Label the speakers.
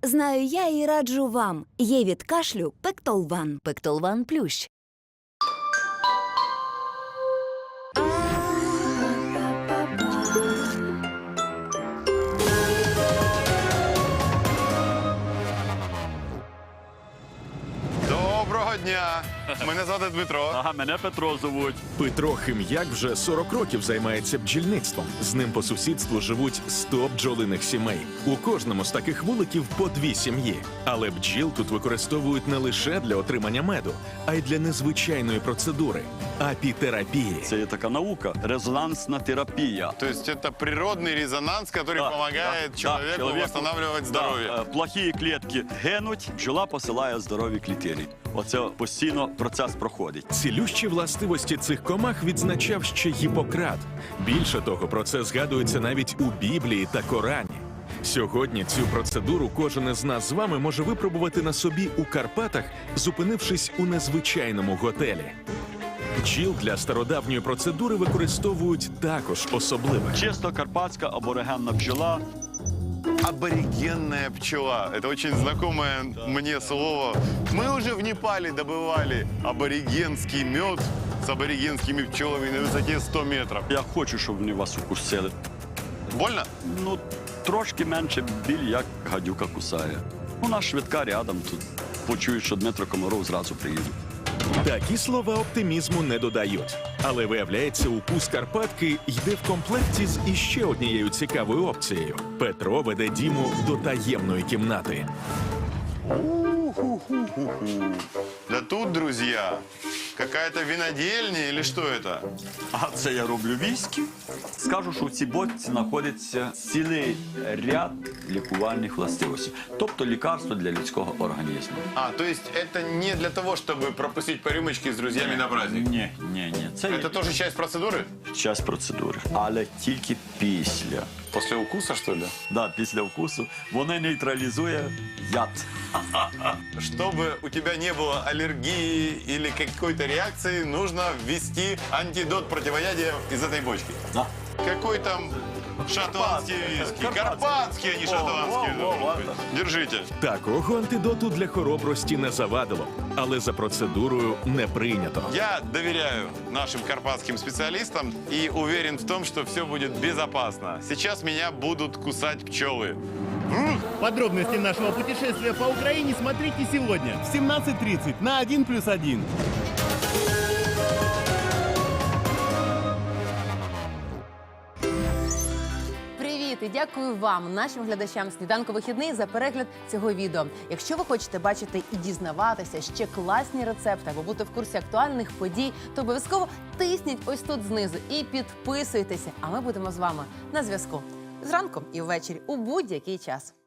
Speaker 1: Знаю я і раджу вам. Є від кашлю Пектолван.
Speaker 2: Пектолван Плющ.
Speaker 3: Доброго дня! Мене звати Дмитро.
Speaker 4: Ага, мене Петро зовуть.
Speaker 5: Петро Хим'як вже 40 років займається бджільництвом. З ним по сусідству живуть 100 бджолиних сімей. У кожному з таких вуликів по 2 сім'ї. Але бджіл тут використовують не лише для отримання меду, а й для незвичайної процедури – апітерапії.
Speaker 4: Це є така наука, резонансна терапія.
Speaker 3: То есть это природный резонанс, который помогает человеку восстанавливать здоровье.
Speaker 4: Плохі клітки гинуть, бджола посилає здорові клітини. Оце постійно процес проходить.
Speaker 5: Цілющі властивості цих комах відзначав ще Гіппократ. Більше того, про це згадується навіть у Біблії та Корані. Сьогодні цю процедуру кожен із нас з вами може випробувати на собі у Карпатах, зупинившись у незвичайному готелі. Бджіл для стародавньої процедури використовують також особливо.
Speaker 4: Чисто карпатська аборигенна бджола.
Speaker 3: Аборигенная пчела. Это очень знакомое мне слово. Мы уже в Непале добывали аборигенский мед с аборигенскими пчелами на высоте 100 метров.
Speaker 4: Я хочу, щоб вони вас укусили.
Speaker 3: Больно?
Speaker 4: Ну, трошки менше біль, як гадюка кусає. Вона швидка рядом тут. Почують, що Дмитро Комаров зразу приїде.
Speaker 5: Такі слова оптимізму не додають. Але виявляється, укус Карпатки йде в комплекті з іще однією цікавою опцією. Петро веде Діму до таємної кімнати.
Speaker 3: Да тут, друзья, какая-то винодельня или что это?
Speaker 4: А це я роблю віскі. Скажу, що в цій бочці знаходиться цілий ряд лікувальних властивостей. Тобто лікарство для людського організму.
Speaker 3: А, то есть это не для того, чтобы пропустить по рюмочке с друзьями на праздник?
Speaker 4: Ні. Це
Speaker 3: Это тоже часть процедуры?
Speaker 4: час процедури. Але тільки після.
Speaker 3: После укуса, что ли?
Speaker 4: Да, після вкусу. Вони нейтралізує яд.
Speaker 3: Чтобы у тебя не было аллергии или какой-то реакции, нужно ввести антидот противоядия из этой бочки.
Speaker 4: Да.
Speaker 3: Какой там шотландский виски? Карпатский, а не шотландский. Держите.
Speaker 5: Такого антидоту для хоробрості не завадило, але за процедурою не прийнято.
Speaker 3: Я доверяю нашим карпатским специалистам и уверен в том, что все будет безопасно. Сейчас меня будут кусать пчелы.
Speaker 6: Подробности нашего путешествия по Украине смотрите сегодня в 17:30 на 1+1.
Speaker 7: Привіт і дякую вам, нашим глядачам «Сніданку вихідний» за перегляд цього відео. Якщо ви хочете бачити і дізнаватися ще класні рецепти або бути в курсі актуальних подій, то обов'язково тисніть ось тут знизу і підписуйтеся. А ми будемо з вами на зв'язку зранку і ввечері у будь-який час.